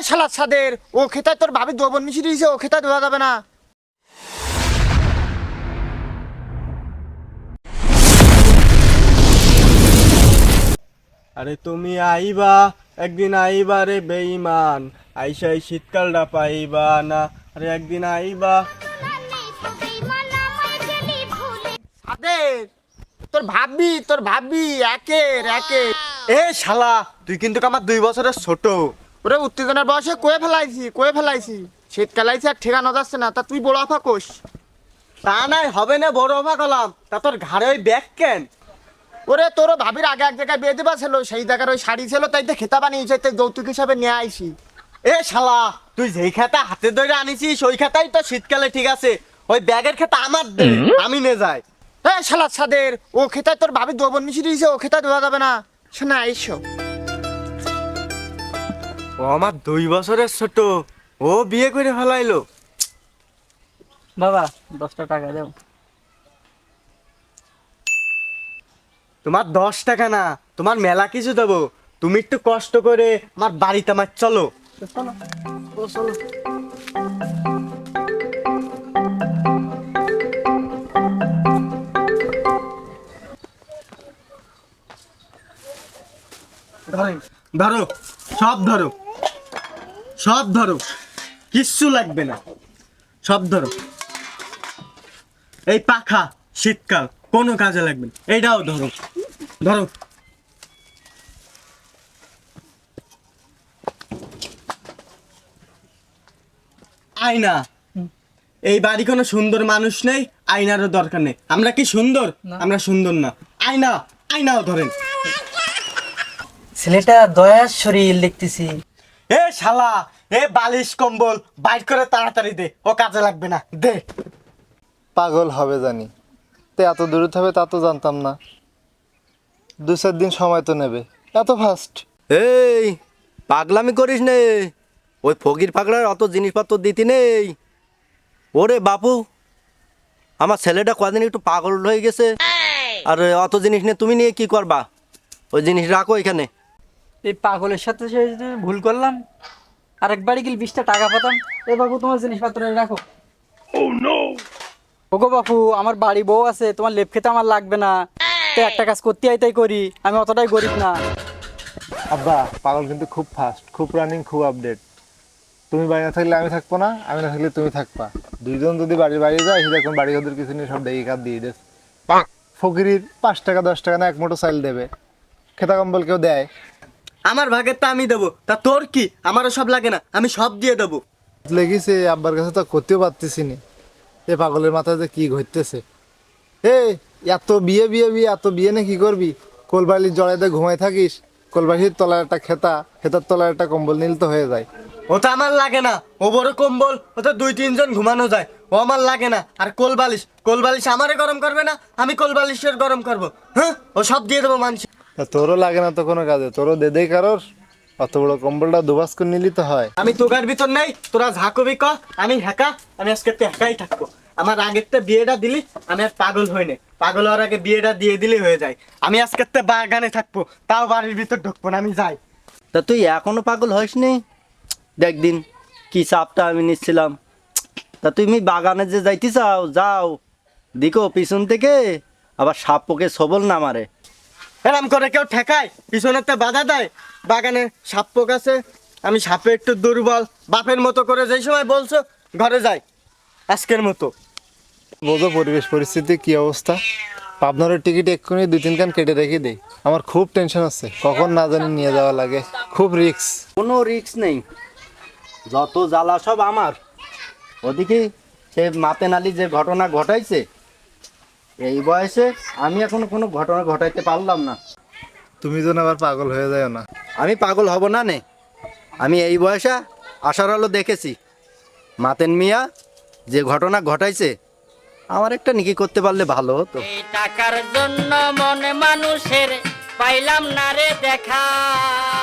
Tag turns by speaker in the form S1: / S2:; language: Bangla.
S1: শালা ছাদের ও খেতায় তোর ভাবি দ্রবণ মিশিয়ে দিয়েছে, ও খেতায় দেওয়া যাবে না।
S2: আরে তুমি আইবা, একদিন আইবা রে বেঈমান, আইসা এই শীতকালটা পাইবা না। আরে একদিন আইবা।
S1: ছাদের তোর ভাবি একের একে।
S2: এ শালা, তুই কিন্তু আমার 2 বছরের ছোট।
S1: ওরে উত্তেজনার বয়সে কয়ে ফেলাইছি শীতকাল আইছে আর ঠিকানা যাচ্ছে না, তা তুই বড় আফা কোষ।
S2: তা নাই হবে না, বড় অবাক হলাম। তা তোর ঘাড়ে ওই ব্যাগ কেন?
S1: ওরে তোর ভাবির আগে এক জায়গায় বিয়ে দেবা ছিল, সেই জায়গার ওই শাড়ি ছিল, তাই তো খেতা বানিয়েছে, তাই যৌতুক হিসাবে নিয়ে আইসি।
S2: এ শালা, তুই যেই খাতা হাতে ধরে আনিছিস ওই খাতাই তো শীতকালে ঠিক আছে, ওই ব্যাগের খাতা আমার দে, আমি নে যাই।
S1: এ শালা ছাদের ও খেতায় তোর ভাবি দ্রবণ মিশিয়ে দিয়েছে, ও খেতায় দেওয়া যাবে না। শোনা আইসো।
S2: ও আমার 2 বছরের ছোট, ও বিয়ে করে ফেলাইলো।
S3: বাবা 10টা টাকা দাও।
S2: তোমার 10 টাকা না, তোমার মেলা কিছু দেবো। তুমি একটু কষ্ট করে আমার বাড়িতে আমার চলো।
S3: চলো ও চলো।
S2: ধরো, সব ধরো, সব ধরো, কিচ্ছু লাগবে না, সব ধরো। এই পাখা শীতকাল কোনো কাজে লাগবে না, এইটাও ধরো, ধরো। আয়না, এই বাড়ি কোনো সুন্দর মানুষ নেই, আয়নারও দরকার নেই। আমরা কি সুন্দর? আমরা সুন্দর না। আয়না, আয়নাও ধরেন।
S3: ছেলেটা দয়ার শরীর দেখতেছি।
S2: এ শালা, এ বালিশ কম্বল বাইর করে তাড়াতাড়ি দে, ও কাজে লাগবে না, দে।
S4: পাগল হবে জানি, তো এত দূরত হবে তা তো জানতাম না। 2-4 দিন সময় তো নেবে, এত ফাস্ট?
S5: এই পাগলামি করিস নে, ওই ফকির ফাকড়ার অত জিনিসপত্র দিতি নেই। ওরে বাপু, আমার ছেলেটা কদিন একটু পাগল হয়ে গেছে, আর অত জিনিস নিয়ে তুমি নিয়ে কি করবা? ওই জিনিস রাখো এখানে।
S3: এই পাগলের সাথে সে যে ভুল করলাম, আরেকবারই গেলে 20টা টাকা পেতাম। এ বাবু তোমার জিনিসপত্র রাখো। ওগো বাপু, আমার বাড়ি বউ আছে, তোমার লেপ খেতে আমার লাগবে না, তো একটা কাজ করতে তাই করি, আমি অতটাই গরিব না।
S4: আব্বা, পাগল কিন্তু খুব ফাস্ট, খুব রানিং, খুব আপডেট। তুমি বাড়ি না থাকলে আমি থাকবো না, আমি না থাকলে তুমি থাকবা। দুইজন যদি বাড়ির বাইরে যায়, সেরকম বাড়ি ওদের কিছু নিয়ে সব দেখে কাজ দিয়ে দেস। ফকিরির 5 টাকা 10 টাকা না 1 মুঠো চাইল দেবে, খেতা কম্বল কেউ দেয়?
S2: আমার ভাগের তা আমি দেবো, তা তোর কি? আমারও সব লাগে না, আমি সব দিয়ে দেবো।
S4: লেগেছে আব্বার কাছে তো করতেও পারতেছি না। এ পাগলের মাথায় যে কি ঘটতেছে। এ এত বিয়ে বিয়ে বিয়ে, এত বিয়ে না কি করবি? কোলবালির জড়াইতে ঘুমাই থাকিস, কোলবালির তলায় একটা খেতার তলায় একটা কম্বল নিল তো হয়ে যায়।
S2: ও তো আমার লাগে না, ও বড় কম্বল, ও তো 2-3 জন ঘুমানো যায়, ও আমার লাগে না। আর কোলবালিশ, কোলবালিশ আমারে গরম করবে না, আমি কোলবালিশের গরম করবো। হ্যাঁ, ও সব দিয়ে দেবো মানুষ।
S4: তা তোরও লাগে না তো কোনো কাজে, তোরও দে দেই কারোর। অত বড় কম্বলটা দুবাস করে নিলি তো হয়।
S2: আমি তোগার ভিতর নেই, তোরা ঝাঁকবি ক, আমি হ্যাকা, আমি আজকে হ্যাকাই থাকবো। আমার আগেরটা বিয়েটা দিলি, আমি আর পাগল হই না। পাগল হওয়ার আগে বিয়েটা দিয়ে দিলে হয়ে যায়। আমি আজকে বাগানে থাকবো, তাও বাড়ির ভিতর ঢুকবো না, আমি যাই।
S5: তা তুই এখনো পাগল হসনি? দেখ দিন কি চাপটা আমি নিচ্ছিলাম। তা তুমি বাগানে যে যাইতে চাও যাও, দিকো পিছন থেকে আবার সাপ পোকে সবল না মারে।
S2: এরম করে কেউ ঠেকায়? পিছনেতে বাধা দেয়? বাগানে সাপ পোক আছে, আমি সাপে একটু দুর্বল, বাপের মতো করে যেই সময় বলছো ঘরে যাই, আজকের মতো।
S4: বোঝো পরিবেশ পরিস্থিতি কি অবস্থা। পাবনারের টিকিট এক্ষুনি 2-3 কান কেটে রেখে দেই। আমার খুব টেনশন আছে, কখন না জানি নিয়ে যাওয়া লাগে, খুব রিস্ক।
S5: কোনো রিস্ক নেই, যত জ্বালা সব আমার। ওদিকে সে মাতেন আলী যে ঘটনা ঘটাইছে, এই বয়সে আমি এখনো কোনো ঘটনা ঘটাইতে পারলাম না।
S4: তুমি যেন আবার পাগল হয়ে যায় না।
S5: আমি পাগল হব না নে, আমি এই বয়সে আশার আলো দেখেছি। মাতেন মিয়া যে ঘটনা ঘটাইছে, আমার একটা নিকি করতে পারলে ভালো হতো।
S6: এই টাকার জন্য মন মানুষের পাইলাম না রে দেখা।